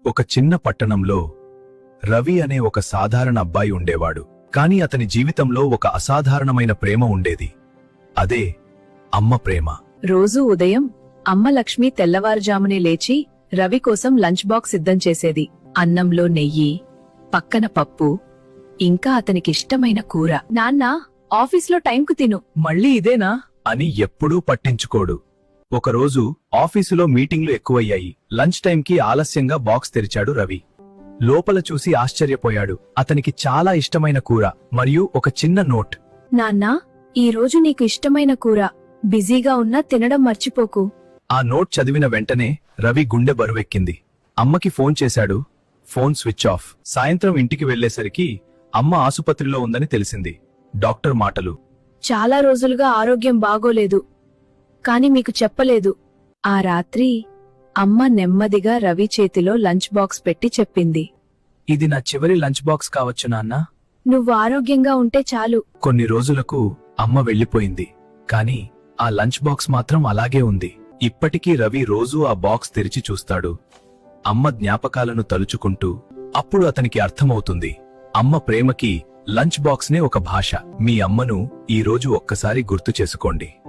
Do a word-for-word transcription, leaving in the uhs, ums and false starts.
ఒక చిన్న పట్టణంలో రవి అనే ఒక సాధారణ అబ్బాయి ఉండేవాడు. కాని అతని జీవితంలో ఒక అసాధారణమైన ప్రేమ ఉండేది. అదే అమ్మ ప్రేమ. రోజూ ఉదయం అమ్మ లక్ష్మి తెల్లవారుజామునే లేచి రవి కోసం లంచ్ బాక్స్ సిద్ధం చేసేది. అన్నంలో నెయ్యి, పక్కన పప్పు, ఇంకా అతనికిష్టమైన కూర. నాన్నా, ఆఫీస్లో టైంకు తిను. మళ్ళీ ఇదేనా అని ఎప్పుడూ పట్టించుకోడు. ఒకరోజు ఆఫీసులో మీటింగ్లు ఎక్కువయ్యాయి. లంచ్ టైంకి ఆలస్యంగా బాక్స్ తెరిచాడు రవి. లోపల చూసి ఆశ్చర్యపోయాడు. అతనికి చాలా ఇష్టమైన కూర మరియు ఒక చిన్న నోట్. నాన్నా, ఈరోజు నీకు ఇష్టమైన కూర. బిజీగా ఉన్నా తినడం మర్చిపోకు. ఆ నోట్ చదివిన వెంటనే రవి గుండె బరువెక్కింది. అమ్మకి ఫోన్ చేశాడు. Phone switch off. సాయంత్రం ఇంటికి వెళ్లేసరికి అమ్మ ఆసుపత్రిలో ఉందని తెలిసింది. డాక్టర్ మాటలు: చాలా రోజులుగా ఆరోగ్యం బాగోలేదు, కాని మీకు చెప్పలేదు. ఆ రాత్రి అమ్మ నెమ్మదిగా రవి చేతిలో లంచ్ బాక్స్ పెట్టి చెప్పింది, ఇది నా చివరి లంచ్ బాక్స్ కావచ్చు నాన్నా. నువ్వు ఆరోగ్యంగా ఉంటే చాలు. కొన్ని రోజులకు అమ్మ వెళ్లిపోయింది. కాని ఆ లంచ్ బాక్స్ మాత్రం అలాగే ఉంది. ఇప్పటికీ రవి రోజూ ఆ బాక్స్ తెరిచి చూస్తాడు, అమ్మ జ్ఞాపకాలను తలుచుకుంటూ. అప్పుడు అతనికి అర్థమవుతుంది, అమ్మ ప్రేమకి లంచ్ బాక్స్ నే ఒక భాష. మీ అమ్మను ఈ రోజు ఒక్కసారి గుర్తు చేసుకోండి.